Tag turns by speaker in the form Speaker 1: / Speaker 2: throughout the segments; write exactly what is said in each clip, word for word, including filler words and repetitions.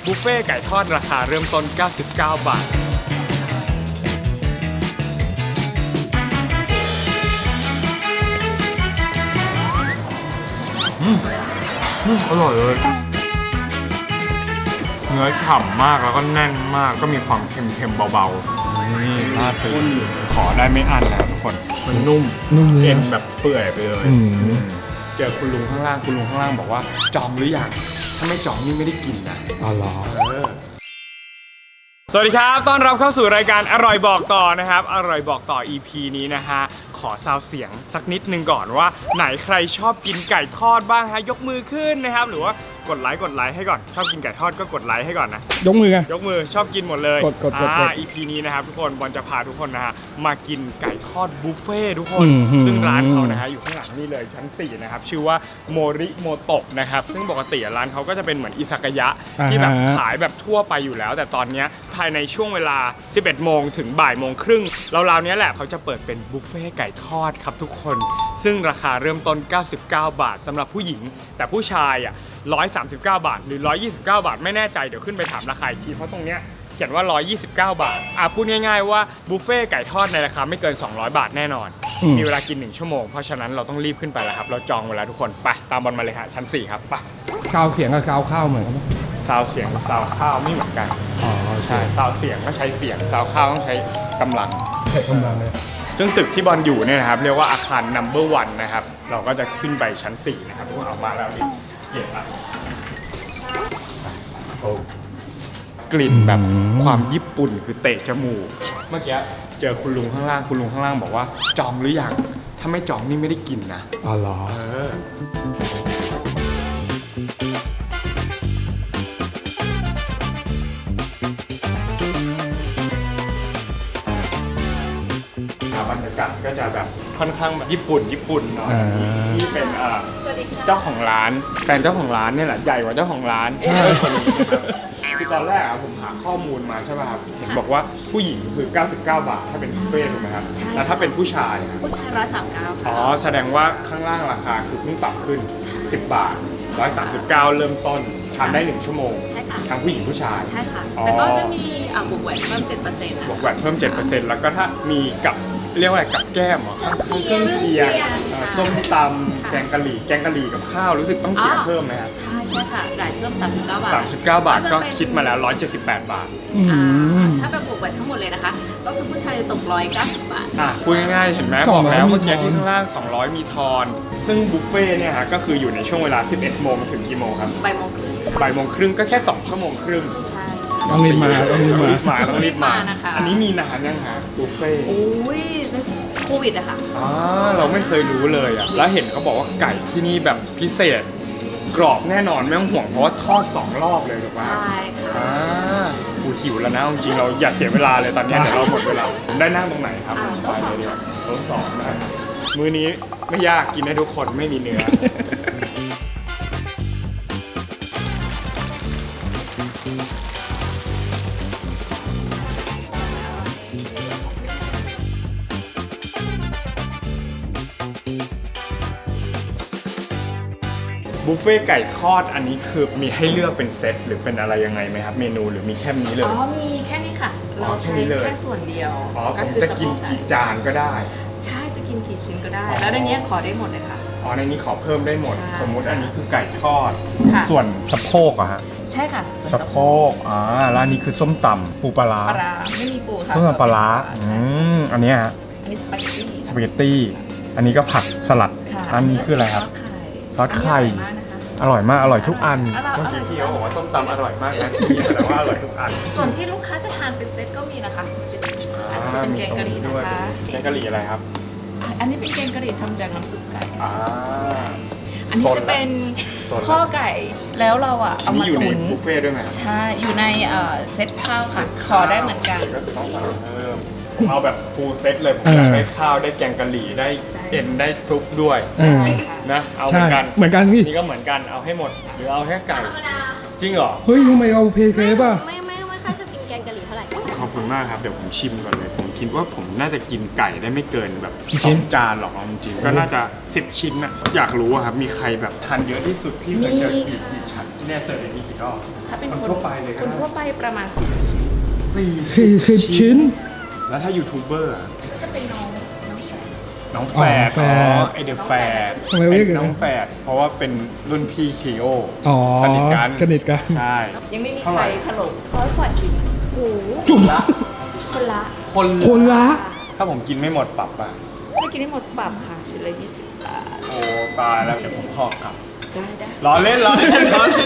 Speaker 1: บุฟเฟ่ไก่ทอดราคาเริ่มต้นเก้าสิบเก้าบาทอืมอืมอร่อยเลยเนื้อฉ่ำมากแล้วก็แน่นมากก็มีความเค็มๆเบาๆนี่น่าตื่นขอได้ไม่อั้นนะครับทุกคนมันนุ่ม
Speaker 2: นุ่มเลย
Speaker 1: เอ็นแบบเปื่อยไปเลย
Speaker 2: อืม
Speaker 1: เจอคุณลุงข้างล่างคุณลุงข้างล่างบอกว่าจองหรือยังถ้าไม่จองนี่ไม่ได้กินนะ
Speaker 2: อ๋อเหรอ
Speaker 1: สวัสดีครับต้อนรับเข้าสู่รายการอร่อยบอกต่อนะครับอร่อยบอกต่อ อี พี นี้นะฮะขอซาวเสียงสักนิดนึงก่อนว่าไหนใครชอบกินไก่ทอดบ้างฮะยกมือขึ้นนะครับหรือว่ากดไลค์กดไลค์ให้ก่อนชอบกินไก่ทอดก็กดไลค์ให้ก่อนนะ
Speaker 2: ยกมือกัน
Speaker 1: ยกมือชอบกินหมดเลย
Speaker 2: กดกดกด
Speaker 1: อ่าก
Speaker 2: ด
Speaker 1: อี พี นี้นะครับทุกคนบอลจะพาทุกคนนะฮะมากินไก่ทอดบุฟเฟ่ทุกคน
Speaker 2: อืมหืม
Speaker 1: ซึ่งร้านเขานะฮะอยู่ข้างหลังนี่เลยชั้นสี่นะครับชื่อว่าโมริโมโตะนะครับซึ่งปกติร้านเขาก็จะเป็นเหมือนอิซากายะที่แบบขายแบบทั่วไปอยู่แล้ว แต่ตอนนี้ภายในช่วงเวลา สิบเอ็ดโมงถึงบ่ายโมงครึ่งราวๆนี้แหละเขาจะเปิดเป็นบุฟเฟ่ไก่ทอดครับทุกคนซึ่งราคาเริ่มต้นเก้าสิบเก้าบาทสำหรับผู้หญิงแต่ผู้ชายอ่ะหนึ่งร้อยสามสิบเก้าบาทหรือหนึ่งร้อยยี่สิบเก้าบาทไม่แน่ใจเดี๋ยวขึ้นไปถามราคาอีกทีเพราะตรงเนี้ยเขียนว่าหนึ่งร้อยยี่สิบเก้าบาทอ่ะพูดง่ายๆว่าบุฟเฟ่ไก่ทอดในราคาไม่เกินสองร้อยบาทแน่นอน
Speaker 2: อืม
Speaker 1: มีเวลากินหนึ่งชั่วโมงเพราะฉะนั้นเราต้องรีบขึ้นไปแล้วครับเราจองเวลาทุกคนไปตามบอลมาเลยฮะชั้นสี่ครับไป
Speaker 2: กาวเสียงกับกาวข้าวเหมือนกันปะ
Speaker 1: ซาวเสียงกับซาวข้าวไม่เหมือนกัน
Speaker 2: อ๋อ
Speaker 1: ใช่ซาวเสียงก็ใช้เสียงซาวข้าวต้องใช้กำลัง
Speaker 2: ใช้กำลังเลย
Speaker 1: ซึ่งตึกที่บอลอยู่เนี่ยนะครับเรียกว่าอาคาร นัมเบอร์วัน นะครับเราก็จะขึ้นไปชั้นสี่นะครับทุกคนเอามาแล้วนี่เห็นละโอ้กลิ่นแบบความญี่ปุ่นคือเตะจมูกเมื่อกี้เจอคุณลุงข้างล่างคุณลุงข้างล่างบอกว่าจองหรือยังถ้าไม่จองนี่ไม่ได้กินนะ
Speaker 2: อ๋อเหรอ
Speaker 1: เออบบรรยากาศก็จะแบบค่อนข้างแบบญี่ปุ่นญี่ปุ่นหน่อย
Speaker 2: อ่า
Speaker 1: ที่เป็นเอ่อ
Speaker 3: สวัสดีค่ะ
Speaker 1: เจ้าของร้านแฟนเจ้าของร้านเนี่ยแหละใหญ่กว่าเจ้าของร้านเออคนนี้นะครับคือตอนแรกอะผมหาข้อมูลมาใช่ป่ะครับเห็นบอกว่าผู้หญิงคือเก้าสิบเก้าบาทถ้าเป็นบุฟเฟ่ต์ถูกไหมครับ
Speaker 3: ใช่
Speaker 1: แล้วถ้าเป็นผู้ชายอะ
Speaker 3: ผู้ชายร้อยสามเก้า
Speaker 1: อ๋
Speaker 3: ค่ะ
Speaker 1: อแสดงว่าข้างล่างราคาคือเพิ่งปรับขึ้นสิบบาทหนึ่งร้อยสามสิบเก้าเริ่มต้นทานได้หนึ่งชั่วโมง
Speaker 3: ใช่ค่ะ
Speaker 1: ทั้งผู้หญิงผู้ชาย
Speaker 3: ใช่ค่ะ
Speaker 1: อ๋อ
Speaker 3: แต่ก็จะมีอ่าบวกแหวนเพิ่มเจ็ดเปอร์เซ็นต์
Speaker 1: บวกแวตเพิ่ม เจ็ดเปอร์เซ็นต์ แล้วก็ถ้ามีกับเรียกว่าอะไรกับแก้มเหรอข้างๆเครื่องเคียงเอ่อส้มตำแกงกะหรี่แกงกะหรี่กับข้าวรู้สึกต้องเสียเพิ่มไหมครับ
Speaker 3: ใช่ใช่ค่ะจ่ายเพิ่มสามสิบเก้าบาท
Speaker 1: สามสิบเก้าบาทก็คิดมาแล้วหนึ่งร้อยเจ็ดสิบแปดบาท
Speaker 2: อื
Speaker 3: อ่าม ถ้าเป็นบวกแหวนทั้งหมดเลยนะคะ ก็คือผู้ชายจะตกร้อยเก้าสิบบาท
Speaker 1: อ่ะพูดง่ายๆเห็นไหม
Speaker 2: ส
Speaker 1: บ
Speaker 2: อ
Speaker 1: อง ก
Speaker 2: ร้อย
Speaker 1: แล้ว
Speaker 2: มี
Speaker 1: เมื่อกี้
Speaker 2: ทอน
Speaker 1: ที่ข้างล่างสองร้อยมีทอน ซึ่งบุฟเฟ่ต์เนี่ยฮะก็คืออยู่ในช่วงเวลา สิบเอ็ดโมงถึงกี่โมงครับ
Speaker 3: บ่ายโมงครึ่ง
Speaker 1: บ่ายโมงครึ่งก็แค่สองชั่วโมงครึ่ง
Speaker 3: ใช่ใช่
Speaker 2: ต้องรีบมาต้องรีบมา
Speaker 1: มาต้องรีบมา
Speaker 3: นะคะ
Speaker 1: อันนี้มีนานยังฮะบุฟเฟ่ต์
Speaker 3: โอ้ยโควิดอะค่ะ
Speaker 1: อ๋อเราไม่เคยรู้เลยอ่ะแล้วเห็นเขาบอกว่าไก่ที่นี่แบบพิเศษ กรอบแน่นอนไม่ต้องห่วงเพราะว่าทอดสองรอบเลยถูกไหม
Speaker 3: ใช่ค่ะ
Speaker 1: อ่ากูหิวแล้วนะจริงๆเราอย่าเสียเวลาเลยตอนนี้เดี๋ยวเราหมดเวลาผมได้นั่งตรงไหนครับ
Speaker 3: อ่า
Speaker 1: ไปเลยดีกว่าโต๊ะสองนะครับมื้อนี้ไม่ยากกินให้ทุกคนไม่มีเนื้อ บุฟเฟ่ไก่ทอดอันนี้คือมีให้เลือกเป็นเซตหรือเป็นอะไรยังไงไหมครับเมนูหรือมีแค่นี้เลย
Speaker 3: อ๋อมีแค่นี้ค่ะ
Speaker 1: อ๋อ
Speaker 3: เรา
Speaker 1: แค่
Speaker 3: ใช้
Speaker 1: นี้เลย
Speaker 3: แค่ส่วนเดียว
Speaker 1: อ๋อผม
Speaker 3: คือ
Speaker 1: จะ
Speaker 3: สะโพ
Speaker 1: กิน
Speaker 3: ไ
Speaker 1: กี่จานก็ได้
Speaker 3: ใช่จะกินกี่ชิ้นก็ได้
Speaker 1: อ๋อ
Speaker 3: แล้วในเนี้ยขอได้หมดเลยค่ะ
Speaker 1: อ๋อในนี้ขอเพิ่มได้หมด
Speaker 3: ใช่
Speaker 1: สมมุติอันนี้คือไก่ทอด
Speaker 3: ค่ะ
Speaker 1: ส่วนสะโพกอะฮะ
Speaker 3: ใช่ค่ะส่วน
Speaker 1: สะโพกอ่าแล้วอันนี้คือส้มตำปูปลาร้า
Speaker 3: ปลาร้าไม่มีปูค่ะ
Speaker 1: ส้มตำปลาร้าอืมอันเนี้ยฮะ
Speaker 3: อันนี้สปาเกตตี้
Speaker 1: สปาเกตตี้อันนี้ก็ผักสลัด
Speaker 3: ค่ะ
Speaker 1: อันนี้คืออะไรครับ ซอสไข่
Speaker 3: อันนี้อร่อยมากนะคะ
Speaker 1: อร่อยมากอร่อยทุกอัน
Speaker 3: อร่อย
Speaker 1: เมื่อกี้พี่เขาบอกว่าส้มตำอร่อยมากนะพี่แสดงว่าอร่อยทุกอัน
Speaker 3: ส่วนที่ลูกค้าจะทานเป็นเซตก็มีนะคะจะอันนี้จะเป็นแกงกะหรี่นะคะ
Speaker 1: แกงกะหรี่อะไรครับ
Speaker 3: อ่ะอันนี้เป็นแกงกะหรี่ทำจากน้ำซุปไก่
Speaker 1: อ่า
Speaker 3: อันนี้จะเป็น
Speaker 1: โซนละ
Speaker 3: ข้อไก่แล้วเราอ่ะ
Speaker 1: อัน
Speaker 3: เอา
Speaker 1: นี้
Speaker 3: มา
Speaker 1: อยู่ใน
Speaker 3: ตุ๋น
Speaker 1: บุฟเฟ่ต์ด้วยไหมครับ
Speaker 3: ใช่อยู่ในเอ่อเซตข้าวค่ะ ขอได้เหมือนกัน
Speaker 1: ก็คือต้องสั่งเพิ่มผมเอาแบบฟูลเซตเลยผมอยากได้ข้าวได้แกงกะหรี่ได้เอ็นได้ซุปด้วย
Speaker 2: อืม
Speaker 3: ได้ค่ะ
Speaker 1: นะเอาเหมื
Speaker 2: ใช่
Speaker 1: อนกัน
Speaker 2: เหมือนกันพี่
Speaker 1: นี่ก็เหมือนกันเอาให้หมดหรือเอาแค่ไก่จริงเหรอ
Speaker 2: เฮ้ยทำไมเอาเพเคป่ะ
Speaker 4: ไม่ไม่ไม่ค่อยชอบกินแกงกะหรี่เท่าไหร่
Speaker 1: ขอบคุณมากครับเดี๋ยวผมชิมก่อนเลยผมคิดว่าผมน่าจะกินไก่ได้ไม่เกินแบบ
Speaker 2: กี่
Speaker 1: ส
Speaker 2: ชิ้
Speaker 1: อน งจานหรอกเอาจริงๆก็น่าจะสิบชิ้นนะอยากรู้อะครับมีใครแบบทานเยอะที่สุดพี่เคยเจอกี่กี่ชั้นที่แน่เจออย่างนี้กี่รอบ
Speaker 3: ถ้าเป็น
Speaker 1: คน
Speaker 3: คน
Speaker 1: ทั่วไปเลยก็
Speaker 3: คน
Speaker 1: ได้
Speaker 3: ทั่วไปประมาณสี่สิบชิ้น
Speaker 1: สี่
Speaker 2: สี่สิบชิ้น
Speaker 1: แล้วถ้ายูทูบเบอร์อะ
Speaker 3: จะเป็นน้องน้องแฝด
Speaker 1: น้องแฝด
Speaker 2: อ๋อแฝด
Speaker 1: อ๋อไอเดอะแฝด
Speaker 2: ทำไมเรียกอย่างนั้น
Speaker 1: น้องแฝดเพราะว่าเป็นรุ่นพี่คีโอ
Speaker 2: อ๋อ
Speaker 1: สนิทกัน
Speaker 2: สนิทกัน
Speaker 1: ใช่
Speaker 3: ยังไม่มี
Speaker 1: เท่า
Speaker 3: ใค
Speaker 1: ไห
Speaker 3: ร
Speaker 1: ร่
Speaker 3: ถล่มร้อยกว่าชิ้นโอ้โห
Speaker 2: จุ่ม
Speaker 1: ละ
Speaker 3: คนละ
Speaker 1: คน
Speaker 2: คนละ
Speaker 1: ถ้าผมกินไม่หมดปรับอ่ะ
Speaker 3: ถ้ากินได้หมดปรับค่ะชิ้นละยี่สิบบาท
Speaker 1: โอ้ตายแล้วเดี๋ยวผมขอกลับ
Speaker 3: ได้ได้
Speaker 1: ล้อเล่นล้อเล่นล้อเล่น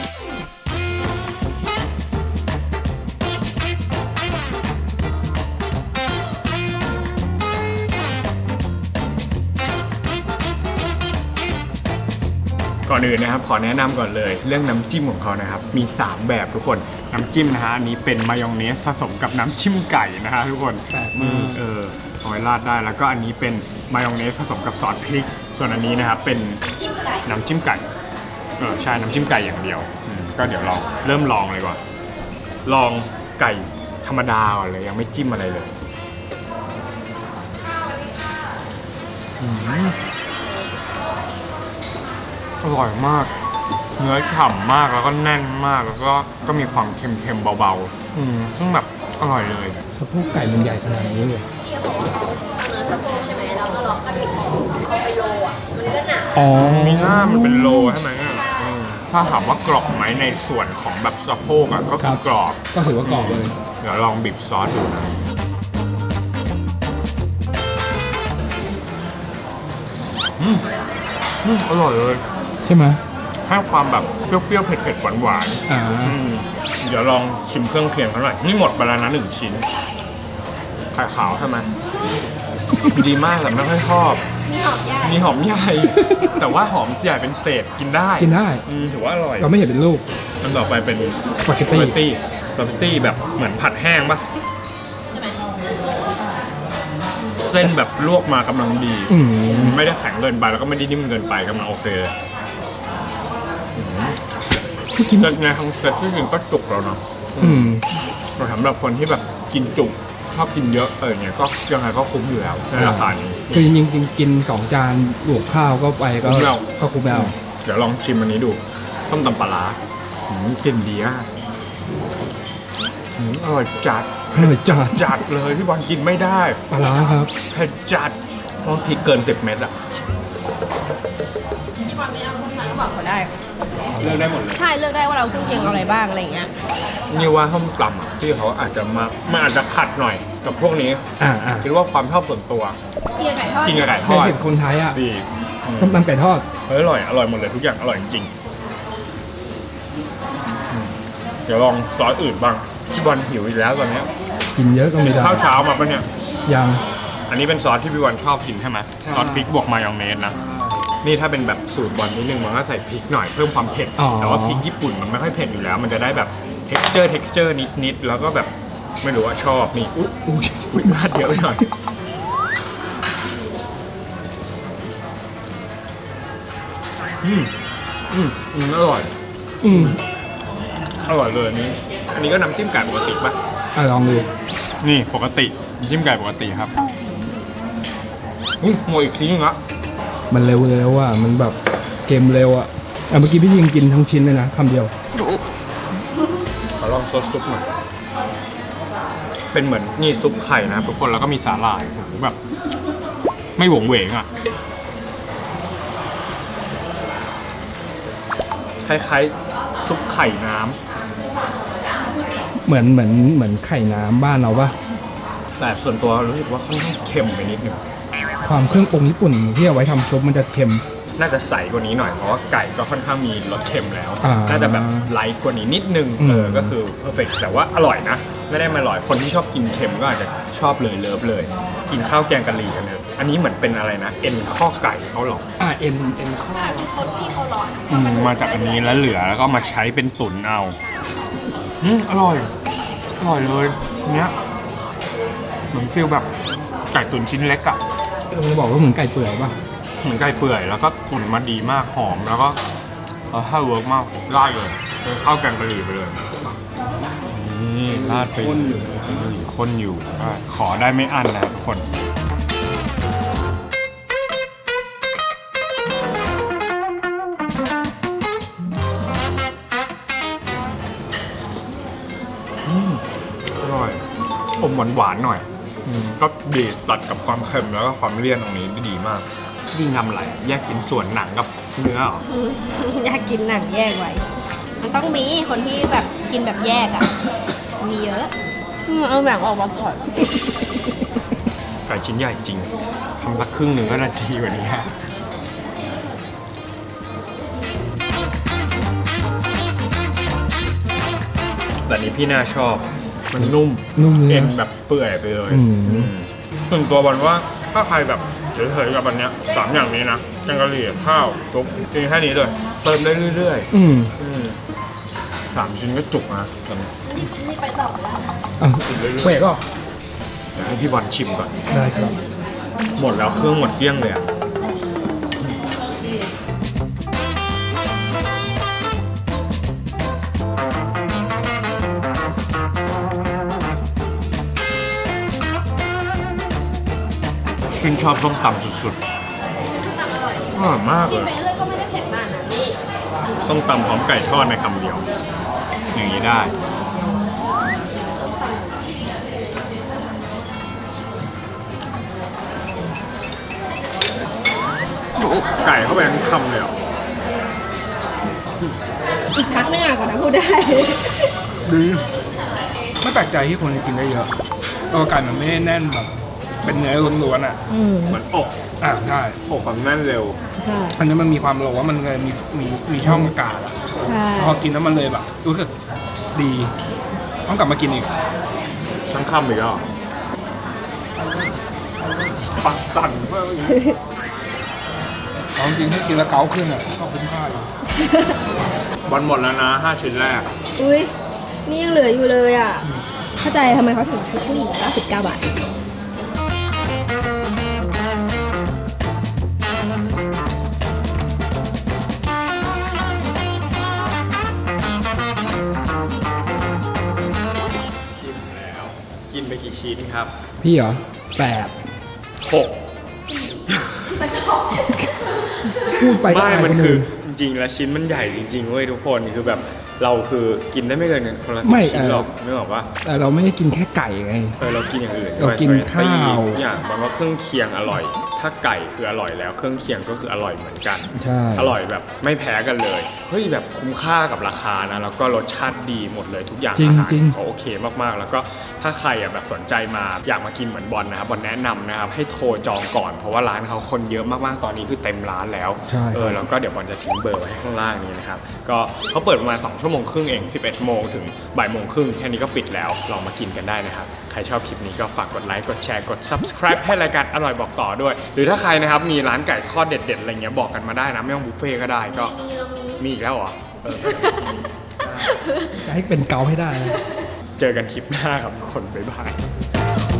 Speaker 1: ก่อนอื่นนะครับขอแนะนำก่อนเลยเรื่องน้ำจิ้มของเขานะครับมีสามแบบทุกคนน้ำจิ้มนะฮะอันนี้เป็นมายองเนสผสมกับน้ำจิ้มไก่นะฮะทุกคน
Speaker 2: แปลกมาก
Speaker 1: นี่เออเอาไว้ราดได้แล้วก็อันนี้เป็นมายองเนสผสมกับซอสพริก ส่วนอันนี้นะครับเป็น
Speaker 3: จิ้มไก่
Speaker 1: น้ำจิ้มไก่เออใช่น้ำจิ้มไก่อย่างเดียวอืมก็เดี๋ยวลองเริ่มลองเลยก่อนลองไก่ธรรมดาก่อนเลยยังไม่จิ้มอะไรเลยอืมอร่อยมาก เนื้อฉ่ำมากแล้วก็แน่นมากแล้วก็ก็มีความเค็มๆเบาๆอืมซึ่งแบบอร่อยเลย
Speaker 2: สะโพกไก่มันใหญ่ขนาดนี้เลย
Speaker 3: ที่เขาบอกว่าเขาเอาเนื้อสะโพกใช่ไหมแล้วก็ล็อกกระดูกออกเอาไปโลอ่ะมันก็หนา
Speaker 2: อ๋อ
Speaker 1: มีหน้ามันเป็นโลใช่ไหมอ่ะอืมถ้าถามว่ากรอบไหมในส่วนของแบบสะโพกอ่ะก็คือกรอบ
Speaker 2: ก็ถือว่ากรอบเลย
Speaker 1: เดี๋ยวลองบีบซอสดูนะอืมอืมอร่อยเลย
Speaker 2: ใช่ไหม
Speaker 1: ให้ความแบบเปรี้ยวๆเผ็ดๆหวาน
Speaker 2: อ่า
Speaker 1: ๆอืมเดี๋ยวลองชิมเครื่องเคียงเขาหน่อยนี่หมดไปแล้วนะหนึ่งชิ้นไข่ขาวใช่ไหมดีมากแต่ไม่ค่อยชอบ
Speaker 3: มีหอมใหญ่
Speaker 1: มีหอมใหญ่ แต่ว่าหอมใหญ่เป็นเศษกินได้
Speaker 2: กินได้
Speaker 1: อืมถือว่าอร่อย
Speaker 2: เราไม่เห็นเป็นลูก
Speaker 1: อันต่อไปเป็น
Speaker 2: สปาเกตตี้
Speaker 1: สปาเกตตี้สปาเกตตี้แบบเหมือนผัดแห้งปะเส้นแบบลวกมากำลังดี
Speaker 2: อืม
Speaker 1: ไม่ได้แข็งเกินไปแล้วก็ไม่ได้นิ่มเกินไปกำลังโอเคเลยเซตไงทั้งเซตที่จริงก็จุกแล้วเนาะ
Speaker 2: อืม
Speaker 1: แต่สำหรับคนที่แบบกินจุกชอบกินเยอะเออเนี่ยก็ยังไงก็คุ้มอยู่แล้วในราคานี้
Speaker 2: คือจริงๆกินสองจานบวกข้าวก็ไปก็
Speaker 1: คุ้มแล้ว
Speaker 2: ก็คุ้มแล้ว
Speaker 1: เดี๋ยวลองชิมอันนี้ดูต้มตำปลาร้าอืมกลิ่นดีมากอืมอร่อยจัด
Speaker 2: อร่อยจัด
Speaker 1: จัดเลยพี่บอลกินไม่ได้
Speaker 2: ปลาร้าครับ
Speaker 1: เผ็ดจัดต้องพริกเกินสิบเม็ดอะ
Speaker 3: ที่วันไม่เอาคนนั้นก็บอกเขาได้
Speaker 1: เลือกได้หมดเลย
Speaker 3: ใช่เลือกได้ว่าเราเครื่องเคียงเอาอะไรบ้างอะไรอย่างเงี้ย
Speaker 1: นี่ว่าส้มตำอะที่เขาอาจจะมามันอาจจะขัดหน่อยกับพวกนี้
Speaker 2: อ่าอ่า
Speaker 1: คิดว่าความชอบส่วนตัว
Speaker 3: เกี๊ยวไก่ทอด
Speaker 1: กินกับไก่ท
Speaker 2: เคย
Speaker 1: อด
Speaker 2: เห็นคนไทยอ่ะ
Speaker 1: ดีอืม
Speaker 2: ต้มตำไก่ทอด
Speaker 1: เฮ้ยอร่อยอร่อยหมดเลยทุกอย่างอร่อยจริงๆอืมเดี๋ยวลองซอสอื่นบ้างพี่บอลหิวอีกแล้วตอนเนี้ย
Speaker 2: กินเยอะก็ไม่ได้
Speaker 1: ข้าวเช้ามาปะเนี่ย
Speaker 2: ยัง
Speaker 1: อันนี้เป็นซอสที่พี่บอลชอบกินใช่ไหม
Speaker 2: ใช่
Speaker 1: ซอสพริกบวกมายองเนสนะ นี่ถ้าเป็นแบบสูตรบอลนิดนึงมันก็ใส่พริกหน่อยเพิ่มความเผ็ด
Speaker 2: อ๋อ
Speaker 1: แต่ว่าพริกญี่ปุ่นมันไม่ค่อยเผ็ดอยู่แล้ว มันจะได้แบบ texture texture นิดๆ แล้วก็แบบไม่รู้ว่าชอบนี่อุ๊ยอุ๊ยอุ๊ยมาดเยอะไปหน่อย อืมอืมอืมอร่อย
Speaker 2: อืม
Speaker 1: อร่อยเลยอันนี้ อันนี้ก็น้ำจิ้มไก่ปกติป่ะ
Speaker 2: อ่ะลองดู
Speaker 1: นี่ปกติน้ำจิ้มไก่ปกติครับอุ้ยหมดอีกทีนึงละ
Speaker 2: มันเร็วเร็วอ่ะ มันแบบเกมเร็วอ่ะอ่ะเมื่อกี้พี่ยิงกินทั้งชิ้นเลยนะคำเดียว
Speaker 1: ขอลองซดซุปหน่อย เป็นเหมือนนี่ซุปไข่นะครับทุกคนแล้วก็มีสาหร่ายโอ้โหแบบ ไม่หวงเหวงอ่ะ คล้ายๆซุปไข่น้ำ
Speaker 2: เหมือนเหมือนเหมือนไข่น้ำบ้านเราปะ
Speaker 1: แต่ส่วนตัวรู้สึกว่าค่อนข้างเค็มไปนิดนึง
Speaker 2: ความเครื่องปรุงญี่ปุ่นที่เอาไว้ทำซุปมันจะเค็ม
Speaker 1: น่าจะใสกว่านี้หน่อยเพราะว่าไก่ก็ค่อนข้างมีรสเค็มแล้ว
Speaker 2: อ่า
Speaker 1: น่าจะแบบไลท์กว่านี้นิดนึง
Speaker 2: อืม
Speaker 1: เออ ก็คือเพอร์เฟกแต่ว่าอร่อยนะ ไม่ได้มาอร่อย คนที่ชอบกินเค็มก็อาจจะชอบเลยเลิฟเลย กินข้าวแกงกะหรี่กันเลยอันนี้เหมือนเป็นอะไรนะ เอ็นข้อไก่เขาหรอ
Speaker 2: อ่ะเอ็นเอ็นข้อ
Speaker 3: ที่คนที่เขาร้อน
Speaker 1: อืมมาจากอันนี้แล้วเหลือแล้วก็มาใช้เป็นตุ๋นเอาอืมอร่อย อร่อยเลยเนี้ยเหมือนฟิลแบบไก่ตุ๋นชิ้นเล็กอะ
Speaker 2: เราจะบอกว่าเหมือนไก่เปื่อยป่ะ
Speaker 1: เหมือนไก่เปื่อยแล้วก็ตุ๋นมาดีมากหอมแล้วก็เออถ้าเวิร์กมากได้เลยเลยข้าวแกงกะหรี่ไปเลยนี่ราดไปดูดิข้นอยู่ก็ขอได้ไม่อั้นนะครับทุกคนอืมอร่อยอมหวานๆหน่อยอืมก็ดีตัดกับความเค็มแล้วก็ความเลี่ยนตรงนี้ได้ดีมากยิ่งทำอะไรแยกชิ้นส่วนหนังกับเนื้อเหรอ
Speaker 4: อยากกินหนังแยกไว้ มันต้องมีคนที่แบบกินแบบแยกอ่ะ มีเยอะ
Speaker 3: เอาหนังออกมาก่อน
Speaker 1: ไก่ชิ้นใหญ่จริงทำสักครึ่งหนึ่งก็นาทีกว่านี้ฮะแต่นี้พี่น่าชอบมันนุ่ม
Speaker 2: นุ่มเลย
Speaker 1: เอ็น
Speaker 2: นะ
Speaker 1: แบบเปื่อยไปเลย
Speaker 2: อืม
Speaker 1: อืมส่วนตัวบอลว่าถ้าใครแบบเฉยๆกับอันเนี้ยสามอย่างนี้นะแกงกะหรี่ข้าวซุปกินแค่นี้เลยเติมได้เรื่อย
Speaker 2: อืม
Speaker 1: ๆอืมสามชิ้นก็จุกนะตอนนี้
Speaker 4: นี่นี่ไปต่อแล้ว
Speaker 2: อ่ะ
Speaker 1: กินเรื่อยๆ
Speaker 2: เวกก็
Speaker 1: เดี๋ยวให้พี่บอลชิมก่อน
Speaker 2: ได้ครับ
Speaker 1: หมดแล้วเครื่องหมดเกลี้ยงเลยอ่ะชื่นชอบส้มตำสุดๆอร่อยมาก
Speaker 4: กิ
Speaker 1: เล
Speaker 4: นไป
Speaker 1: ย
Speaker 4: เรื่อยก็ไม่ได้เผ็ดมากนะนี่
Speaker 1: ส้มตำพร้อมไก่ทอดในคำเดียว อย่างนี้ได้ ไก่เข้าไปทั้งคำเลยเหรอ
Speaker 4: อีกพักนึงอ่ะก่อนนะพูดได้
Speaker 2: ดีไม่แปลกใจที่คนกินได้เยอะตัวไก่มันไม่ได้แน่นแบบเป็นเนื้อล้วนๆอ่ะ
Speaker 4: อืม
Speaker 1: เหมือนอก
Speaker 2: อ่าใช่
Speaker 1: อกความแน่นเร็ว
Speaker 4: ใช่
Speaker 2: อันนี้มันมีความโลว่ามันเลยมีมีมีช่องอากาศอะ
Speaker 4: ใช่
Speaker 2: พอกินแล้วมันเลยแบบรู้สึกดีต้องกลับมากินอีก
Speaker 1: ทั้งคำอีกแล้วเหรอปักสั่นมากเลย
Speaker 2: เอาจริงๆถ้ากินแล้วเกาขึ้นอ่ะก็คุ้มค่าอยู่
Speaker 1: บอลหมดแล้วนะห้าชิ้นแรก
Speaker 4: อุ้ยนี่ยังเหลืออยู่เลยอ่ะ เข้าใจทำไมเขาถึงคิดผู้หญิงเก้าสิบเก้าบาท
Speaker 1: ชิมแล้ว กินไปกี่ชิ้นครับ
Speaker 2: พี่เหรอแปด
Speaker 1: หก
Speaker 2: พูดไปก็
Speaker 1: ไม่
Speaker 2: อาย
Speaker 1: มัน
Speaker 2: ค
Speaker 1: คือ
Speaker 2: อื่
Speaker 1: จริงๆแล้วชิ้นมันใหญ่จริงๆเว้ยทุกคนคือแบบเราคือกินได้ไม่เกินคนละสิบ
Speaker 2: ไม่
Speaker 1: ชิ้น
Speaker 2: เออ
Speaker 1: หรอกไม่บอกว่า
Speaker 2: แต่เราไม่ได้กินแค่ไก่ไง
Speaker 1: เออเรากินอย่างอื่น
Speaker 2: เรากิน
Speaker 1: ด้วย
Speaker 2: ข้าว
Speaker 1: ทุกอย่างบางว่าเครื่องเคียงอร่อย ถ้าไก่คืออร่อยแล้วเครื่องเคียงก็คืออร่อยเหมือนกัน
Speaker 2: ใช่
Speaker 1: อร่อยแบบไม่แพ้กันเลยเฮ้ยแบบคุ้มค่ากับราคานะแล้วก็รสชาติดีหมดเลยทุกอย่าง
Speaker 2: จริง
Speaker 1: อาหาร
Speaker 2: จริง
Speaker 1: เขาโอเคมากๆ แล้วก็ถ้าใครอ่ะแบบสนใจมาอยากมากินเหมือนบอลนะครับบอลแนะนำนะครับให้โทรจองก่อนเพราะว่าร้านเขาคนเยอะมากๆตอนนี้คือเต็มร้านแล้ว
Speaker 2: ใช่
Speaker 1: เออแล้วก็เดี๋ยวบอลจะทิ้งเบอร์ไว้ให้ข้างล่างนี้นะครับก็เขาเปิดประมาณสองชั่วโมงครึ่งเองสิบเอ็ดโมงถึงบ่ายโมงครึ่งแค่นี้ก็ปิดแล้วลองมากินกันได้นะครับใครชอบคลิปนี้ก็ฝากกดไลค์กดแชร์กด subscribe ให้รายการอร่อยบอกต่อด้วย หรือถ้าใครนะครับมีร้านไก่ทอดเด็ดๆอะไรเงี้ยบอกกันมาได้นะไม่ต้องบุฟเฟ่ต์ก็ได้ก็
Speaker 4: มีเรามี
Speaker 1: มีอีกแล้วเหรอเออ
Speaker 2: จะให้เป็นเกาให้ได้นะ
Speaker 1: เจอกันคลิปหน้าครับทุกคน บ๊ายบาย